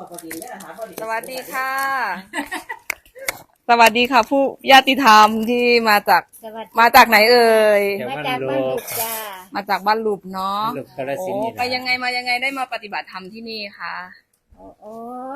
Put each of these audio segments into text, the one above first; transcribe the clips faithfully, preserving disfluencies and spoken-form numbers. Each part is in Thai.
สวัสดีค่ะ สวัสดีค่ะ ผู้ญาติธรรมที่มาจากมาจากไหนเอ่ยมาจากบ้านลูกจ้ามาจากบ้านลูบเนาะลูกกาฬโอ้สินธุ์นี่ไปยังไงมายังไงได้มาปฏิบัติธรรมที่นี่คะโอ้โห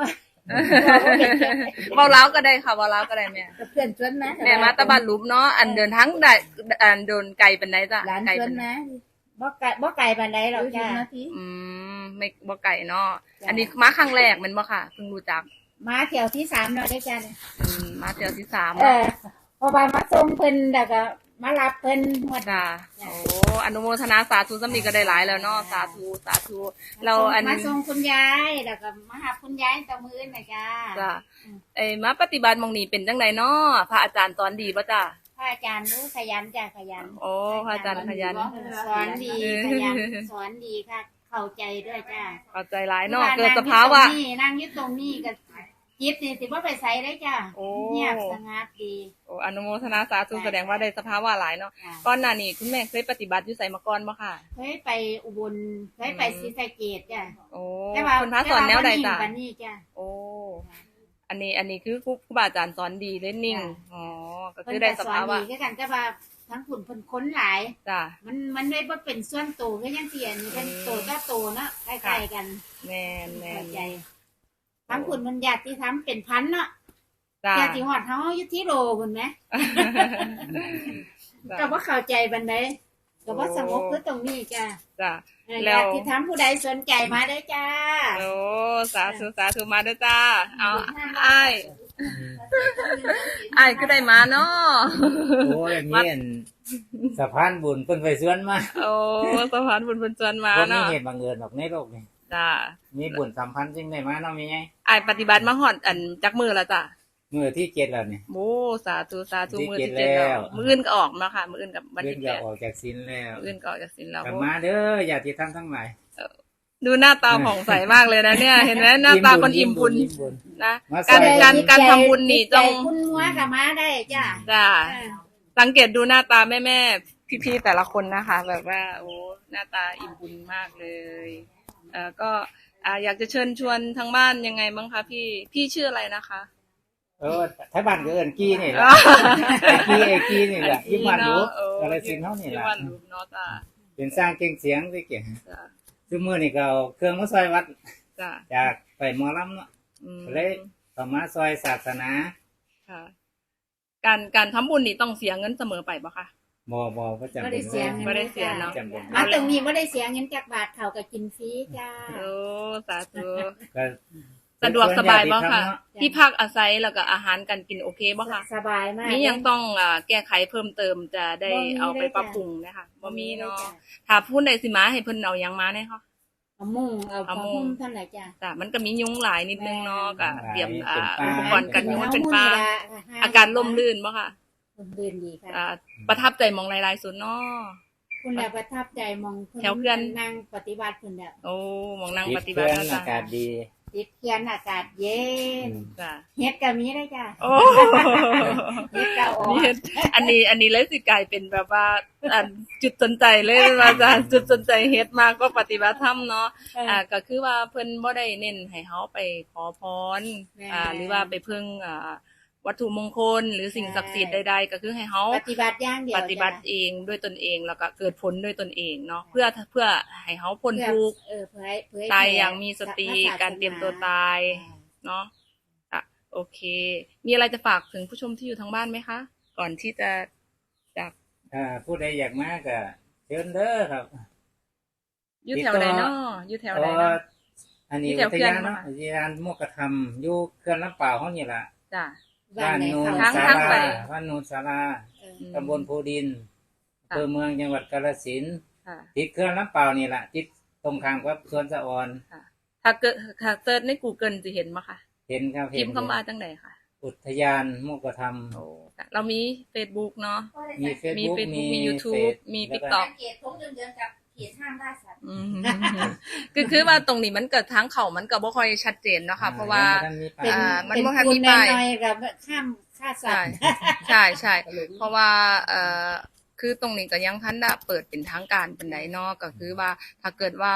เบาเล้าก็ได้ค่ะเบาเล้าก็ได้แม่กับเพื่อนชวนนะแม่มาตะบ้านลูบเนาะอันเดินทั้งได้อันเดินไกลเป็นไดจ้ะหลานไกลชวเป็น นนะบ่ไก่บ่ไก่ปานใดหรอกจ้าอืมไม่บ่ไก่เนาะอันนี้มาครั้งแรกแมันบ่ค่ะเพิ่งรู้จักมาเที่ยวที่สามแล้วได้จ้าอืมมาเที่ยวที่สามเออพอไปมาส่งเพิ่นแล้วก็มารับเพิ่นหมดจ้ะโอ้อนุโมทนาสาธุสำนีก็ได้หลายแล้วเนาะสาธุสาธุเราอันมาส่งคุณยายแล้วก็มาหาคุณยายตะมื้อน่ะจ้าจ้ะเอ้ยมาปฏิบัติหมองนี้เป็นจังไดเนาะพระอาจารย์สอนดีป่ะจ้ะพระอาจารย์รู้ขยันจ้าขยันโอ้พระอาจารย์ขยันสอนดีขยันสอนดีค่ะเข้าใจด้วยจ้าเข้าใจหลายเนาะเกิดสภาวะนั่งอยู่ตรงนี้ก็จิตนี่สิบ่ไปไสได้จ้าโอ้เงียบสงัดดีโอ้อนุโมทนาสาธุแสดงว่าได้สภาวะหลายเนาะจ้ะก่อนหน้านี้คุณแม่เคยปฏิบัติอยู่ไสมาก่อนบ่ค่ะเคยไปอุบลเคยไปศรีสะเกษจ้ะโอ้แต่ว่าคุณพระสอนแนวใดจ้ะแต่ว่าบ่นิ่งปานนี้จ้ะโอ้อันนี้อันนี้คือครูครูบาอาจารย์สอนดีเล่นนิ่งจ้ะอ๋อก็เพิ่คืนอได้ก็สสอนภาวะดีคือกันแต่ว่าทั้งขุนเพิ่นค้นหลายจ้ะมันมันเลยบ่เป็นส่วนตัวคือจังซี่อันนี้เป็นตัวต่อตัวเนาะใกล้ๆกันแม่นแม่เข้าน ใจทั้งขุนมันญาติธรรมเป็นพันเนาะจ้ะญาติฮอดเฮาอยู่ที่โลพุ่นแหมก็บ่เข้าใจปานใดก็บ่สงบคือตรงนี้จ้ะจ้ะเออแล้วญาติธรรมผู้ใดสนใจมาได้จ้าโอ้สาธุสาธุมาด้วยจ้าเอาอ้ายอ้ายก็ได้มาเนาะโอ้ยมีอันสะพานบุญเพิ่นไปสวนมาโอ้สะพานบุญบุญจวนมาบ่มีเนาะเหตุบังเอิญหรอกในโลกนี้จ้ามีบุญสัมพันธ์จึงได้มาเนาะมีไงอ้ายปฏิบัติมาฮอดอันจักมือแล้วจ้ะมื้อที่เจ็ดแล้วนี่โอ้สาธุสาธุที่มือเจ็ดที่เจ็ดแล้แล้ว วมืออื่นก็ออกมาค่ะ มืออื่นกับวันเพิ่นที่จะแปดออกจากศีลแล้วมืออื่นก็ออกจากศีลแล้วกลับมาเด้อญาติธรรมทั้งหลายดูหน้าตาผ่องใสมากเลยนะเนี่ย เห็นไหมหน้าตาคนอิ่มบุญอิ่มบุญนะมาใส่การการการทำบุญนี่ใจต้องคุณหัวกับมาได้จ้าจ้าสังเกตดูหน้าตาแม่แม่ๆพี่ๆแต่ละคนนะคะ แบบว่า โอ้หน้าตาอิ่มบุญมากเลยเอ่อก็อ่าอยากจะเชิญชวนทางบ้านยังไงบ้างคะพี่พี่ชื่ออะไรนะคะเออถ้าบ้านก็เอิ้นกี้นี่แหละไอ้กี้ไอ้กี้นี่แหละอยู่บ้านรู้เออกาฬสินธุ์เฮานี่ที่ล่ะบ้านรู้เนาะจ้าเป็นสร้างเก่งเสียงสิเก่งจ้าซุมื้อนี่ก็เอาเครื่องมาซอยวัดจ้าจากไปหมอลำเนาะอืมเลยเข้ามาซอยศาสนาค่ะ การการทำบุญนี่ต้องเสียเงินเสมอไปปะคะบ่บ่บ่จำไม่เป็ได้นเสียเงินไม่ได้เสียเนาะจำเป็นมาตรงนี้ไม่ได้เสียเงินจากบาทเขาก็กินฟรีจ้าโอ้สาธุก็สะดวกสบายบ่ค่ะเนาะที่พักอาศัยแล้วก็อาหารการกินโอเคบ่ค่ะสบายมากนี่ยังต้องอ่าแก้ไขเพิ่มเติมจะได้บ่มีเอาไปเลยจ้ะปรับปรุงนะคะบ่มีเนาะถ้าพูดใดสิมาให้เพิ่นเอาหยังมาเนี่ยค่ะเอามุ้งเอาเอาผ้ามุ้หุ้งมเท่าไหร่จ้าแต่มันก็มียุงหลายนิดนึงเนาะก็หลายเตรียมอ่าเป็นอุปลาปกรณ์กันยุงมันเป็นฟ้าอาการล่มลื่นบ่ค่ะล่มลื่นดีค่ะอ่าประทับใจหมองหลายๆสุดเนาะคุณแหละประทับใจมองคุณแถวเพื่อนนั่งปฏิบัติคุณเนี่ยโอ้หมองนั่งติปดฏิบัเพื่ติอนนะอาจ๊ะกาศดีติดเขียนอากาศเย็นจ้ะเฮ็ดก็มีได้จ้าโอ้เฮ็ดก็ออัอน กนี้อันนี้อันนี้เลยสิกลายเป็นแบบว่าอันจุดสนใจเลยว่าจะจุดสนใจเฮ็ดมากก็ปฏิบัติธรรมเนาะอ่าก็คือว่าเพิ่นบ่ได้เน้นให้เฮาไปขอพรอ่าหรือว่าไปพึ่งอ่าวัตถุมงคลหรือสิ่งศักดิ์สิทธิ์ใดๆก็คือให้เฮาปฏิบัติอย่างเดียวปฏิบัติเองด้วยตนเองแล้วก็เกิดผลด้วยตนเองเนาะเพื่อเพื่อให้เฮาพ้นเพื่อทุกข์เออเพื่อให้เพื่อให้ตายอย่างมีสติพะศสนการเตรียมตัวตาย เนาะอ่ะโอเค มีอะไรจะฝากถึงผู้ชมที่อยู่ทางบ้านไหมคะ ก่อนที่จะจากอ่าผู้ใดอยากมาก็เชิญเด้อครับอยู่แถวใดเนาะอยู่แถวเพใดราะเนาะว่าอันนี้ที่แถอุวทเขื่อนยานเนาะมาอุทยานมุกธรรมอยู่เขื่อนลำเปล่าวเฮานี่ล่ะจ้ะบ้านไหนโนนเขาทั้งศาทั้งลาไปบ้านโนนศาลาเอออืมตำบลภูดินค่ะอำเภอเมืองจังหวัดกาฬสินธุ์ค่ะติดเขื่อนลำเปล่าวนี่ล่ะติดตรงข้ามกับสวนสะออนถ้าเกิดถ้าเซิร์ชใน Google จะเห็นมั้ยคะเห็นครับพิเห็นมพ์เข้ามาจังไหนค่ะอุทยานมุกธรรมโอ้เรามี Facebook เนาะมีมี Facebook Facebook มีมี YouTube เฟซมีแล้วก็ TikTok เขตทงเดือนๆกับเขตห้ามล่าสัตว์อืมคือคือว่าตรงนี้มันเกิดทางเขามันก็บ่ค่อยชัดเจนเนาะค่ะเพราะว่าเป็นอ่ามันเป็นบ่ทันคุมีณป้ายน้อยๆกับข้ามฆ่าสัใช่ตว์ใช่ใช่เพราะว่าเอ่อคือตรงนี้ก็ยังทันได้เปิดเป็นทางการเป็นไดเนาะก็คือว่าถ้าเกิดว่า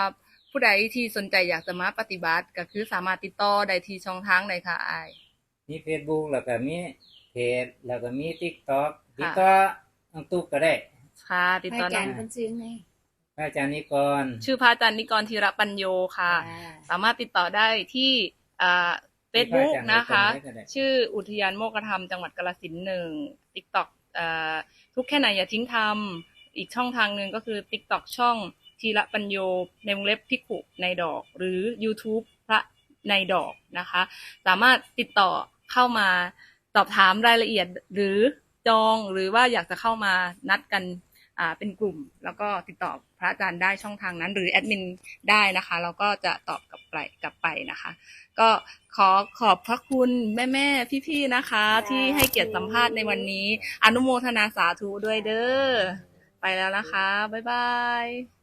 ผู้ใดที่สนใจอยากจะมาปฏิบัติก็คือสามารถติดต่อได้ที่ช่องทางใดค่ะอ้ายมี Facebook แล้วก็มีเพจแล้วก็มี TikTok ค่ะติดต่อน้องตุ๊กก็ได้ค่ะติดให้ต่ออาน้จาอรง ย์เพิ่นซื้อไงพระอาจารย์นิกรชื่อพระอาจารย์นิกรธีรปัญโยค่ะอ่าสามารถติดต่อได้ที่อ่า Facebook นะคะพระอาจารย์นิกรได้ชื่ออุทยานโมกขธรรมจังหวัดกาฬสินธุ์หนึ่ง TikTok อ่าทุกแค่ไหนอย่าทิ้งทำอีกช่องทางหนึ่งก็คือ TikTok ช่องธีรปัญโยในวงเล็บภิกขุในดอก หรือ YouTube พระในดอกนะคะ สามารถติดต่อเข้ามาสอบถามรายละเอียดหรือจองหรือว่าอยากจะเข้ามานัดกันอ่าเป็นกลุ่ม แล้วก็ติดต่อพระอาจารย์ได้ช่องทางนั้น หรือแอดมินได้นะคะแล้วก็จะตอบกลับไปกลับไปนะคะ ก็ขอขอบพระคุณแม่แม่ๆพี่ๆนะคะ ที่ให้เกียรติสัมภาษณ์ในวันนี้ อนุโมทนาสาธุด้วยเด้อไปแล้วนะคะบ๊ายบาย